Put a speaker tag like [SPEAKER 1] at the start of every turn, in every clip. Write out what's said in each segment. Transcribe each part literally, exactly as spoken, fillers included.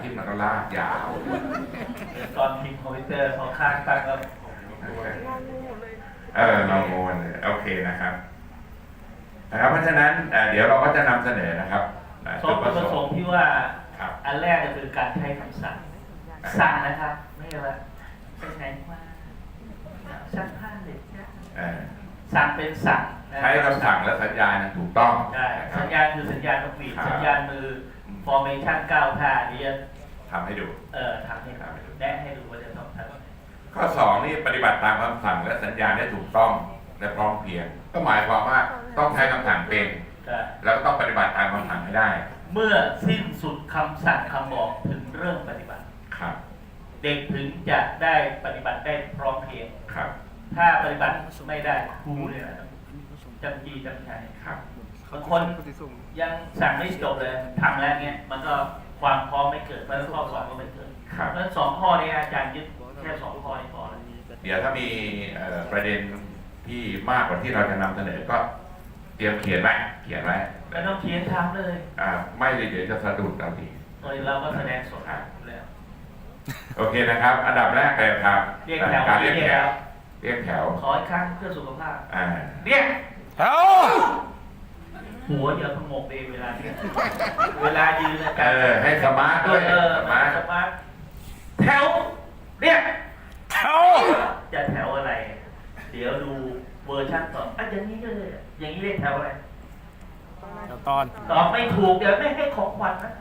[SPEAKER 1] ทิตย์มันก็ลากยาว
[SPEAKER 2] ตอนพิมพ์คอมพิวเตอร์เขาข้างตั้งก็
[SPEAKER 1] เออเราโง่เลยโอเคนะครับนะครับเพราะฉะนั้นเดี๋ยวเราก็จะนำเสนอนะครับ
[SPEAKER 2] จุดประสงค์ที่ว่าอันแรกก็คือการใช้คำสั่งสั่งนะครับไม่ใช่ว่าไปไหนมาสั่งผ้าเหล็กสั่งเป็นสั่ง
[SPEAKER 1] ใช้คำสั่งและสัญญาณถูกต้อง
[SPEAKER 2] ใช่สัญญาณคือสัญญาณนกหวีดสัญญาณมือ formation เก้าท่านี้
[SPEAKER 1] ทำให้ดู
[SPEAKER 2] เออทำให้ดูแนะให้ดูว่าจะต้องทำ
[SPEAKER 1] ข้อสองนี่ปฏิบัติตามคำสั่งและสัญญาณได้ถูกต้องและพร้อมเพรียงก็หมายความว่าต้องใช้คำสั่งเป็นแล้วก็ต้องปฏิบัติตามคำสั่งให้ได้
[SPEAKER 2] เมื่อสิ้นสุดคำสั่งคำบอกถึงเริ่มปฏิบัติ
[SPEAKER 1] ครับ
[SPEAKER 2] เด็กถึงจะได้ปฏิบัติได้พร้อมเพรียง
[SPEAKER 1] ครับ
[SPEAKER 2] ถ้าปฏิบัติไม่ได้ครูเนี่ยจำจีจำชัย
[SPEAKER 1] ครับ
[SPEAKER 2] บางคนยังสั่งไม่จบเลยทำแล้วเนี้ยมันก็ความพร้อมไม่เกิดเพราะข้อสอบก็ไม่เกิดเพราะฉะนั้นสองข้อนี้อาจารย์ยึดแค่สองข้อนี้พอแล้ว
[SPEAKER 1] เดี๋ยวถ้ามีประเด็นที่มากกว่าที่เราจะนำเสนอก็เตรียมเขียนไว้เขียนไว้
[SPEAKER 2] ไม่ต้องเขียนทำเลย
[SPEAKER 1] อ่าไม่เลยเดี๋ยวจะสะดุดเราดี
[SPEAKER 2] เราก็แสดงสดแล้ว
[SPEAKER 1] โอเคนะครับอันดับแรกเลยครับ
[SPEAKER 2] เรียกแถว
[SPEAKER 1] การเรียกแถวเรียกแถว
[SPEAKER 2] ขออีกครั้งเพื่อสุขภาพ
[SPEAKER 1] อ่า
[SPEAKER 2] เรียก
[SPEAKER 1] แถว
[SPEAKER 2] หัวอย่าพงกเองเวลานี้เวลายืนนะ
[SPEAKER 1] เออให้สมาร์ทด้วย
[SPEAKER 2] สมาร์ทสมาร์ทแถวเรียก
[SPEAKER 1] แถว
[SPEAKER 2] จะแถวอะไรเดี๋ยวดูเวอร์ชันต่ออ่ะอย่างนี้เลยอย่างนี้เรียกแถวอะไร
[SPEAKER 3] แถวตอน
[SPEAKER 2] ตอบไม่ถูกเดี๋ยวไม่ให้ของขวัญนะ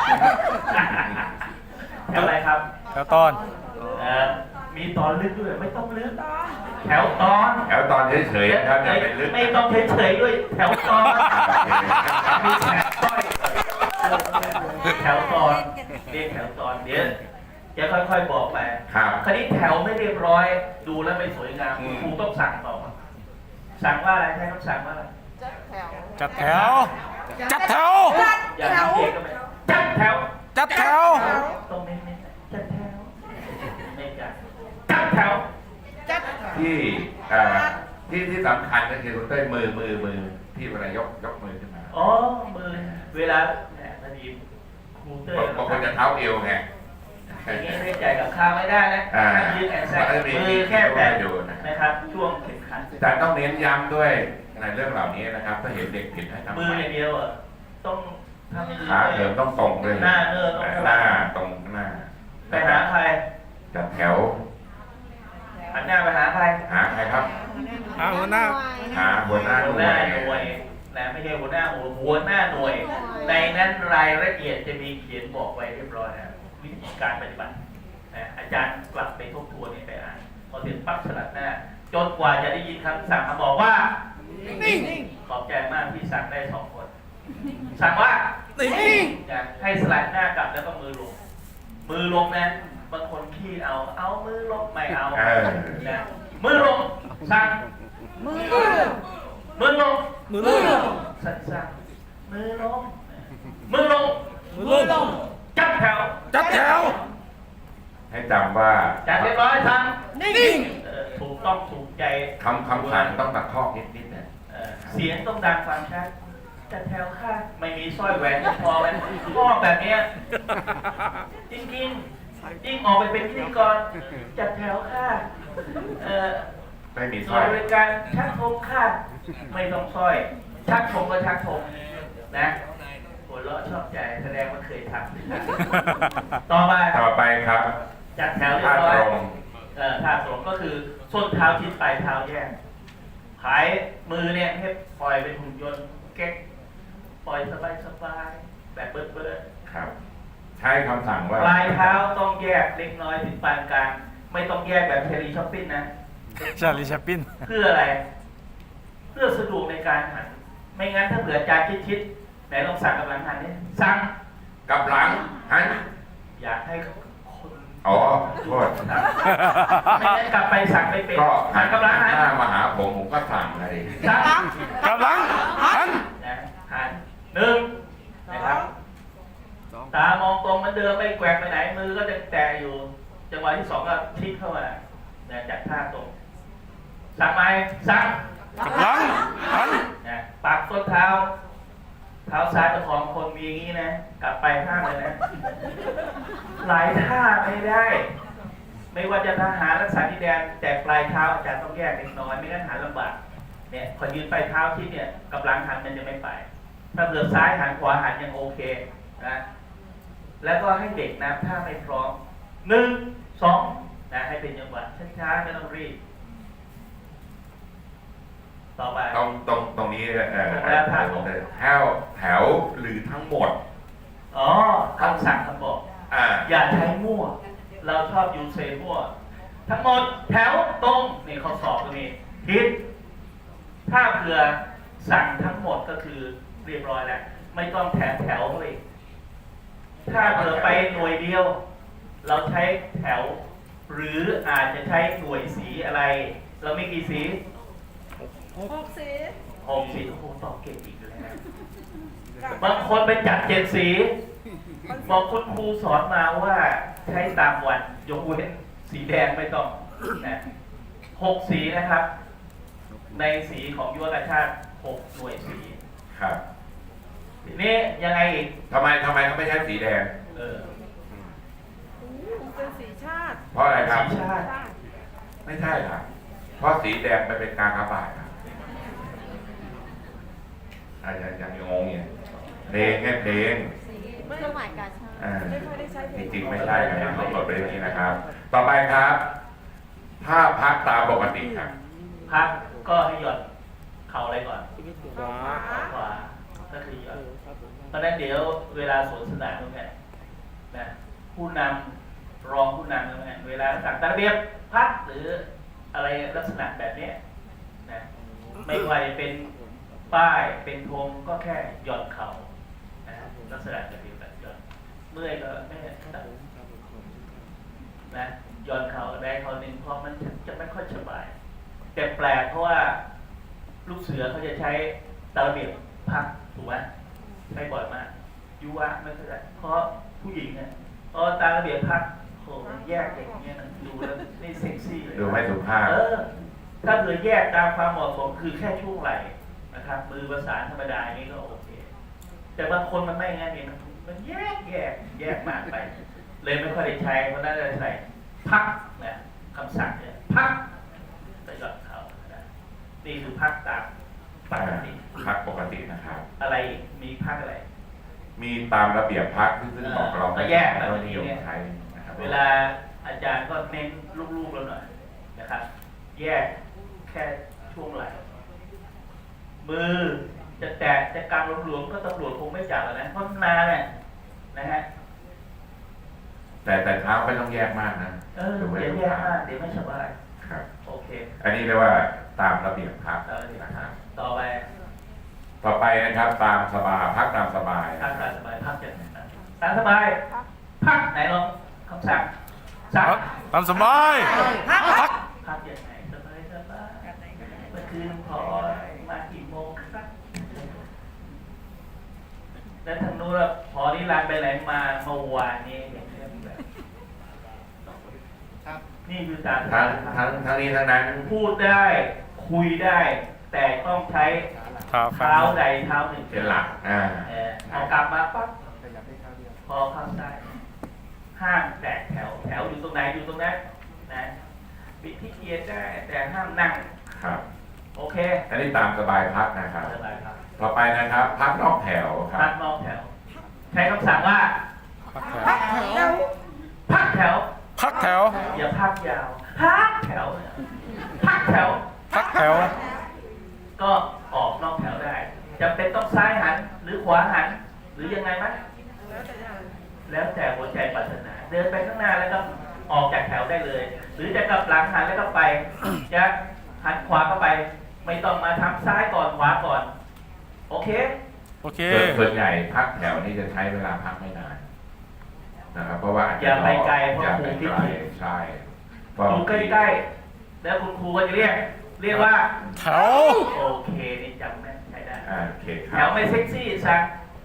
[SPEAKER 2] แถวอะไรครับ
[SPEAKER 3] แถวตอน
[SPEAKER 2] เออมีตอนลึกด้วยไม่ต้องลึกแถวตอน
[SPEAKER 1] แถวตอนเฉยๆครับอย่าเป็นลึก
[SPEAKER 2] ไม่ต้องเฉยๆด้วยแถวตอนมีแถวต้อยแถวตอนเรียกแถวตอนเดี๋ยวจะค่อยๆบอกไปคราวนี้แถวไม่เรียบร้อยดูแล้วไม่สวยงามครูต้องสั่งต่อสั่งว่าอะไรใช้คำสั่งว่าอะไร
[SPEAKER 3] จัดแถวจัดแถว
[SPEAKER 2] อย่าทำเองก็ไม่จัดแถว
[SPEAKER 3] จัดแถว
[SPEAKER 2] ตรงนี้จัดแถวไม่จัดจัดแถว
[SPEAKER 1] ที่ที่ที่สำคัญก็คือคุณเต้ยมือมือมือที่เวลายกยกมือขึ้นมา
[SPEAKER 2] อ๋อมือเวลาแหมพอดีครูเต้ย
[SPEAKER 1] บางคนจะเท้าเอวไง
[SPEAKER 2] อย่างนี้ไม่ใจกับข้าวไม่ได้นะยืดแอนแซกมือแค่แตะนะครับช่วงเข็มขัด
[SPEAKER 1] แต่ต้องเน้นย้ำด้วยในเรื่องเหล่านี้นะครับถ้าเห็นเด็กผิดให้ทำ
[SPEAKER 2] มืออย่างเดียวอ่ะต้องทำ
[SPEAKER 1] ขาเถิมต้องตรงเลย
[SPEAKER 2] หน้าเนื้อต้อง
[SPEAKER 1] หน้าตรงหน้า
[SPEAKER 2] ไปหาใคร
[SPEAKER 1] จัดแถว
[SPEAKER 2] หันหน้าไปหาใคร
[SPEAKER 1] หาใครครับ
[SPEAKER 3] หาหัวหน้า
[SPEAKER 1] หาหัวหน้าห
[SPEAKER 2] น่วยนะไม่ใช่หัวหน้าหัวหัวหน้าหน่วยในนั้นรายละเอียดจะมีเขียนบอกไว้เรียบร้อยนะวิธีการปฏิบัติอาจารย์กลับไปทบทวนไปอ่านพอถึงปั๊บสลัดหน้าจนกว่าจะได้ยินคำสั่งมาบอกว่านิ่งขอบใจมากที่สั่งได้สองคนสั่งว่านิ่งให้สลัดหน้ากลับแล้วก็มือลงมือลงนะบางคนขี้เอาเอามือลงไม่เอานะมือลงสั่งมือมือลง
[SPEAKER 3] มือลง
[SPEAKER 2] สั่งสั่งมือลงมือลง
[SPEAKER 3] มือลง
[SPEAKER 2] จัดแถว
[SPEAKER 3] จัดแถว
[SPEAKER 1] ให้จำว่า
[SPEAKER 2] จัดเรียบร้อยสั่งนิ่งถูกต้องถูกใจ
[SPEAKER 1] คำคำสั่งต้องตัดข้อนิดนิดนะ
[SPEAKER 2] เสียงต้องดังฟังชัดจัดแถวค่ะไม่มีสร้อยแหวนพอไว้พ่อแบบนี้จริงจริงยิ่งออกไปเป็นพิธีกรจัดแถวค่ะ
[SPEAKER 1] ไม่มีสร้อย
[SPEAKER 2] บริการชักธงค่ะไม่ต้องสร้อยชักธงก็ชักธงนะหัวเราะชอบใจแสดงว่าเคยทำต่อไป
[SPEAKER 1] ต่อไปครับ
[SPEAKER 2] จัดแถวเรียบร้อยเอ่อท่าตรงก็คือส้นเท้าชิดปลายเท้าแยกขายมือเนี่ยให้ปล่อยเป็นหุ่นยนต์เก๊กปล่อยสบายสบายแบบเบิร์ดเบิร์ด
[SPEAKER 1] ครับใช้คำสั่งว่า
[SPEAKER 2] ปลายเท้าต้องแยกเล็กน้อยถึงปานกลางไม่ต้องแยกแบบเชอรี่ช้อปปิ้นนะ
[SPEAKER 3] เชอรี่ช้อปปิ้น
[SPEAKER 2] เพื่ออะไรเพื่อสะดวกในการหันไม่งั้นถ้าเผื่อจานชิดๆไหนลองสั่งกับหลังหันนี่สั่ง
[SPEAKER 1] กับหลังหัน
[SPEAKER 2] อยากให้
[SPEAKER 1] อ๋อโทษ
[SPEAKER 2] ไม่ได้กลับไปสั่งไม่เป็น
[SPEAKER 1] ก็หันกำลังหันหน้ามาหาผมผมก็สั่งเลย
[SPEAKER 2] สั่ง
[SPEAKER 3] กำลังหัน
[SPEAKER 2] หันหนึ่งนะครับตามองตรงมันเดิมไม่แกว่งไปไหนมือก็จะแตะอยู่จังหวะที่สองก็พลิกเข้ามาจากท่าตรงสั่งไหมสั่ง
[SPEAKER 3] กำลังหัน
[SPEAKER 2] ปักส้นเท้าเท้าซ้ายประคองคนมีอย่างนี้นะกลับไปห้ามเลยนะหลายท่าไม่ได้ ไม่ว่าจะทหารรักษาดินแดนแต่ปลายเท้าอาจารย์ต้องแยกเล็กน้อยไม่งั้นหันลำบากเนี่ยพอยืนปลายเท้าที่เนี่ยกับหลังหันมันจะไม่ไปถ้าเบือซ้ายหันขวาหันยังโอเคนะแล้วก็ให้เด็กนะถ้าไม่พร้อมหนึ่งสองนะให้เป็นจังหวะช้าๆไม่ต้องรีบต่อไป
[SPEAKER 1] ตรงตรงตรงนี้เอ่อ
[SPEAKER 2] ตรงแล้วท่าของ
[SPEAKER 1] แถวแถวหรือทั้งหมด
[SPEAKER 2] อ๋อคำสั่งคำบอก
[SPEAKER 1] อ่า
[SPEAKER 2] อย่าใช้มั่ว เราชอบยูเซมั่ว ทั้งหมดแถวตรงนี่เขาสอบตรงนี้ผิดถ้าเผื่อสั่งทั้งหมดก็คือเรียบร้อยแล้วไม่ต้องแถมแถวเลยถ้าเผื่อไปหน่วยเดียว เราใช้แถว หรืออาจจะใช้หน่วยสีอะไร เรามีกี่สี
[SPEAKER 4] หกสี
[SPEAKER 2] หกสีโอ้โหตอบเก่งอีกแล้วบางคนไปจัดเจ็ดสีบอกคุณครูสอนมาว่าใช้ตามวันยกเว้นสีแดงไม่ต้องนะหกสีนะครับ ในสีของยุวกชาติหกหน่วยสี
[SPEAKER 1] ครับ
[SPEAKER 2] ทีนี้ยังไงอีก
[SPEAKER 1] ทำไมทำไมเขาไม่ใช้สีแดง
[SPEAKER 2] เออ
[SPEAKER 4] เป็นสีชาติ
[SPEAKER 1] เพราะอะไรครับ
[SPEAKER 2] สีชาติ
[SPEAKER 1] ไม่ใช่ครับ เพราะสีแดงไปเป็นการกระบาดครับอาจารย์ยังงงเนี่ยเพลงแค่เพลง
[SPEAKER 4] เครื่องหมายการชาติ
[SPEAKER 1] อ่า
[SPEAKER 4] ไม่ค่อยได้ใช้เพล
[SPEAKER 1] จ
[SPEAKER 4] ง
[SPEAKER 1] ริงๆไม่ใช่นะครับต้องกดไปอย่างนี้นะครับ ต่อไปครับ ถ้าพักตามปกติครับ
[SPEAKER 2] พักก็ให้หย่อนเข่าอะไรก่อน
[SPEAKER 4] ขวา
[SPEAKER 2] เข่าขวาก็คือหย่อนเพราะฉะนั้นเดี๋ยวเวลาสวนสนามตรงนี้นะผู้นำรองผู้นำตรงนี้เวลาสั่งตามระเบียบพักหรืออะไรลักษณะแบบนี้นะไม่ว่าจะเป็นป้ายเป็นธงก็แค่หย่อนเข่านะลักษณะแบบนี้แบบหย่อนเมื่อยก็ไม่นะหย่อนเข่าได้เข่าหนึ่งเพราะมันจะไม่ค่อยสบายแต่แปลกเพราะว่าลูกเสือเขาจะใช้ตามระเบียบพักถูกไหมใช้บ่อยมากยุวะไม่ค่อยได้เพราะผู้หญิงเนี่ยพอตามระเบียบพักโหแยกอย่างเงี้ยนะดูแล้วไม่เซ็กซี่เลย
[SPEAKER 1] ดูไม่สุภาพ
[SPEAKER 2] เออถ้าเผื่อแยกตามความเหมาะสมคือแค่ช่วงไหล่นะครับมือประสานธรรมดาอย่างนี้ก็โอเคแต่บางคนมันไม่งั้นเองมันแยกแยกแยกมากไป เลยไม่ค่อยได้ใช้เพราะนั้นเลยใส่พักนะคำสั่งเนี่ยพักไปหย่อนเขานะนี่คือพักตามปกติ
[SPEAKER 1] พักปกตินะครับ
[SPEAKER 2] อะไรอีกมีพักอะไร
[SPEAKER 1] มีตามระเบียบพักซึ่งซึ่งบอกเรา
[SPEAKER 2] ก็แยก
[SPEAKER 1] ไม่
[SPEAKER 2] แบบ
[SPEAKER 1] นิ
[SPEAKER 2] นี้
[SPEAKER 1] ยม
[SPEAKER 2] เนี่ย
[SPEAKER 1] ใช้นะครับ
[SPEAKER 2] เวลาอาจารย์ก็เน้นลูกๆเราหน่อยนะครับ แยกแค่ช่วงไหล่มือจะแตะจะกำหลวมๆก็ตำรวจคงไม่จับแล้วนะเพราะนานเนี่ยนะฮะ
[SPEAKER 1] แต่แต่เท้าไม่ต้องแยกมากนะ
[SPEAKER 2] เออ
[SPEAKER 1] ดูไม่
[SPEAKER 2] อย่า
[SPEAKER 1] สุ
[SPEAKER 2] แยก
[SPEAKER 1] ภาพ
[SPEAKER 2] มากเดี๋ยวไม่สบาย
[SPEAKER 1] ครับ
[SPEAKER 2] โอเค
[SPEAKER 1] อันนี้เรียกว่าตามระเบียบพัก
[SPEAKER 2] เราจะ
[SPEAKER 1] นะครับ
[SPEAKER 2] ต่อไป
[SPEAKER 1] ต่อไปนะครับตามสบายพักตามสบาย
[SPEAKER 2] พักตามสบายพักจากไหนนะตามสบายพักไหนลองคำสั่งสั่ง
[SPEAKER 3] พักตามสบายพัก
[SPEAKER 2] พักอย่างไหนสบายสบายเมื่อคืนพอมากี่โมงครับแล้วทางนู้นล่ะพอนี่รันไปไหนมาเมื่อวานนี้เห็นเรื่องแบบนี่คือตาม
[SPEAKER 1] ทั้งทั้งทั้งนี้ทั้งนั้น
[SPEAKER 2] พูดได้คุยได้ แต่ต้องใช้
[SPEAKER 3] เท้าข้า
[SPEAKER 2] เท้าง ใดเท้าหนึ่ง
[SPEAKER 1] เป็นหลักอ่า
[SPEAKER 2] เออเอากลับมาปั๊บพอเข้าได้ห้ามแตกแถวแถวอยู่ตรงไหนอยู่ตรงนั้นนะบิดที่เกียร์ได้แต่ห้ามนั่ง
[SPEAKER 1] ครับ
[SPEAKER 2] โอเค
[SPEAKER 1] อันนี้ตามสบายพักนะครับ
[SPEAKER 2] สบายครับ
[SPEAKER 1] ต่อไปนะครับ พักนอกแถวครั
[SPEAKER 2] พั
[SPEAKER 1] บ
[SPEAKER 2] กนอกแถว ใช้คำสั่งว่า
[SPEAKER 3] พักแถว
[SPEAKER 4] พักแถว
[SPEAKER 2] พักแถว
[SPEAKER 3] พักแถว
[SPEAKER 2] อย่าพักยาวพักแถวเนี่ยพักแถว
[SPEAKER 3] พักแถว
[SPEAKER 2] ก็ออกนอกแถวได้จำเป็นต้องซ้ายหันหรือขวาหัน หรือยังไงไหม
[SPEAKER 4] แล้วแต่อย่าง
[SPEAKER 2] แล้วแต่หัวใจปรารถนา เดินไปข้างหน้าแล้วก็ออกจากแถวได้เลย หรือจะกลับหลังหันแล้วก็ไป จะหันขวาเข้าไป ไม่ต้องมาทำซ้ายก่อนขวาก่อน โอเค
[SPEAKER 3] โอเค
[SPEAKER 1] ส่วนส่วนใหญ่พักแถวนี่จะใช้เวลาพักไม่นานนะครับเพราะว่า
[SPEAKER 2] อย่าไปไกลเพราะ
[SPEAKER 1] อย่า
[SPEAKER 2] ครู
[SPEAKER 1] ไป
[SPEAKER 2] คิด
[SPEAKER 1] ไกล
[SPEAKER 2] ผิด
[SPEAKER 1] ใช่
[SPEAKER 2] ดูใกล้ๆแล้วคุณครูก็จะเรียก เรียกว่า
[SPEAKER 3] แถว
[SPEAKER 2] โอเคนี่จำแม่นใช้ได้
[SPEAKER 1] อ่าโอเคค
[SPEAKER 2] แถ
[SPEAKER 1] รั
[SPEAKER 2] ว
[SPEAKER 1] บ
[SPEAKER 2] ไม่เซ็กซี่สั่ง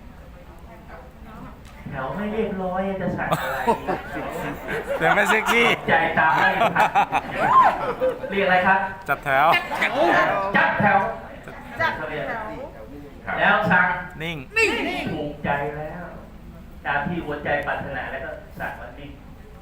[SPEAKER 2] แถวไม่เรียบร้อยจะสั่งอะไร
[SPEAKER 3] เสียงไม่เซ็กซี่
[SPEAKER 2] ใจตามไม่ทันเรียกอะไรครับ
[SPEAKER 3] จัดแถว
[SPEAKER 2] จัดแถว
[SPEAKER 4] จัด
[SPEAKER 2] เขา
[SPEAKER 4] แถ
[SPEAKER 2] เรียก
[SPEAKER 4] ว
[SPEAKER 1] ครับ
[SPEAKER 2] แล้วสั่ง
[SPEAKER 3] นิ่ง
[SPEAKER 2] ถูกใจแล้วตามที่หัวใจปรารถนาแล้วก็สั่งว่านิ่ง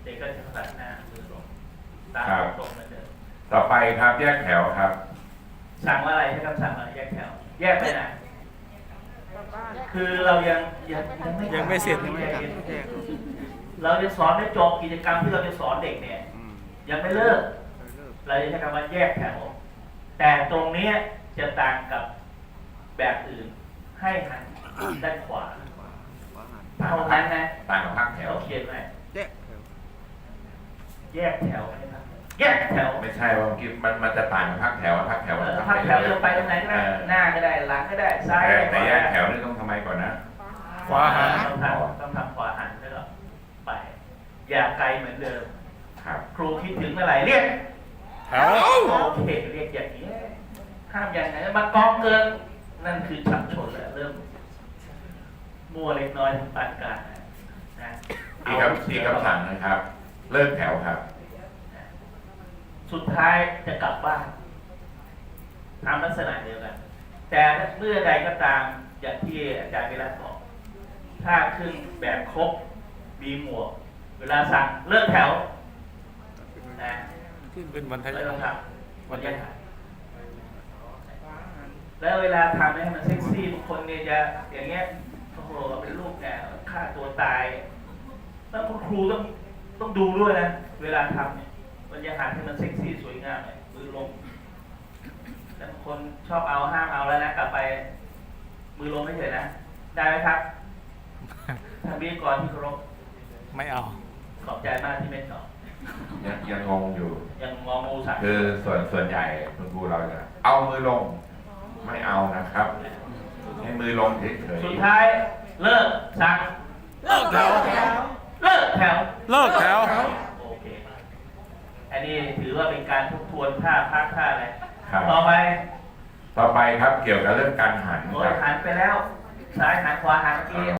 [SPEAKER 2] ด็กก็จะสั่นหน้ามือลงตามตรงเหมือนเดิม
[SPEAKER 1] ต่อไปครับแยกแถวครับ
[SPEAKER 2] สั่งว่าอะไรใช้คำสั่งอะไรแยกแถว แยกไปไหน
[SPEAKER 4] กลับบ้าน
[SPEAKER 2] คือเรายังยังยังไม่
[SPEAKER 3] ยังไม่เสร็จ
[SPEAKER 2] ยังไม่
[SPEAKER 3] ยังไม่
[SPEAKER 2] เสร็จ
[SPEAKER 3] แยก
[SPEAKER 2] เราจะสอนไม่จบกิจกรรมที่เราจะสอนเด็กเนี่ย
[SPEAKER 3] อืม
[SPEAKER 2] ยังไม่เลิก เราจะใช้คำว่าแยกแถว แต่ตรงนี้จะต่างกับแบบอื่น ให้หันด้านขวาเท่านั้นนะ
[SPEAKER 1] ต่างกับภาคแถว
[SPEAKER 2] เราเขียนไว้
[SPEAKER 3] แยก
[SPEAKER 2] แยกแถวไม่ครับแยกแถว
[SPEAKER 1] ไม่ใช่ว่าเมื่อกี้มันมันจะต่างกับภาคแถวภาคแถว
[SPEAKER 2] เอ
[SPEAKER 1] มัน
[SPEAKER 2] อ
[SPEAKER 1] ทำ
[SPEAKER 2] พักแถวจะไปตรงไหนก็ได้
[SPEAKER 1] เออ
[SPEAKER 2] หน้าก็ได้หลังก็ได้ซ้าย
[SPEAKER 1] แต่
[SPEAKER 2] ก็
[SPEAKER 1] แต่
[SPEAKER 2] ได้
[SPEAKER 1] แยกแถวนี่ต้องทำไมก่อนนะ
[SPEAKER 2] ขวาหันต้องทำต้องทำขวาหันแล้วก็ไป อย่าไกลเหมือนเดิม
[SPEAKER 1] ครับ
[SPEAKER 2] ครูคิดถึงเมื่อไหร่เรียก
[SPEAKER 3] แถว
[SPEAKER 2] โอเคเรียกอย่างนี้ห้ามอย่างไหนมากองเกิน นั่นคือฉับชนแล้วเริ่มมั่วเล็กน้อยทางปานกลางนะ
[SPEAKER 1] อีกคำอีกคำสั่งนะครับ เลิกแถวครับ
[SPEAKER 2] สุดท้ายจะกลับบ้านทำลักษณะเดียวกัน แต่เมื่อใดก็ตามอย่างที่อาจารย์วิรัตบอก ถ้าขึ้นแบบครบมีหมวก เวลาสั่งเลิกแถวนะ
[SPEAKER 3] เป็นวันท
[SPEAKER 2] ไม่
[SPEAKER 3] ยา
[SPEAKER 2] ต้องทำ
[SPEAKER 3] วันทยา
[SPEAKER 2] แล้วเวลาทำให้มันเซ็กซี่บางคนเนี่ยจะอย่างเงี้ยโอ้โหเป็นลูกเนี่ยฆ่าตัวตายแล้วคุณครูต้องต้องดูด้วยนะเวลาทำเนี่ยมันจะหันให้มันเซ็กซี่สวยงามเลยมือลงแล้วบางคนชอบเอาห้ามเอาแล้วนะกลับไป มือลงไม่เฉยนะได้ไหมครับทางวิทยากรที่เคารพ
[SPEAKER 3] ไม่เอา
[SPEAKER 2] ขอบใจมากที่ไม่ตอบ
[SPEAKER 1] ยังยังงงอยู่
[SPEAKER 2] ยังงองูสั่ง
[SPEAKER 1] คือส่วนส่วนใหญ่คุณครูเราจะเอามือลง ไม่เอานะครับ ให้มือลงเฉย
[SPEAKER 2] สุดท้ายเลิกสั่ง
[SPEAKER 3] เลิกแถว
[SPEAKER 2] เลิกแถว
[SPEAKER 3] เลิกแถว
[SPEAKER 2] โอเค อันนี้ถือว่าเป็นการทบทวนท่าพักท่าอะไร
[SPEAKER 1] ๆครับ
[SPEAKER 2] ต่อไป
[SPEAKER 1] ต่อไปครับเกี่ยวกับเรื่องการหัน
[SPEAKER 2] โด
[SPEAKER 1] ค
[SPEAKER 2] ย
[SPEAKER 1] รับ
[SPEAKER 2] หันไปแล้ว ซ้ายหันขวาหันเมื่อกี้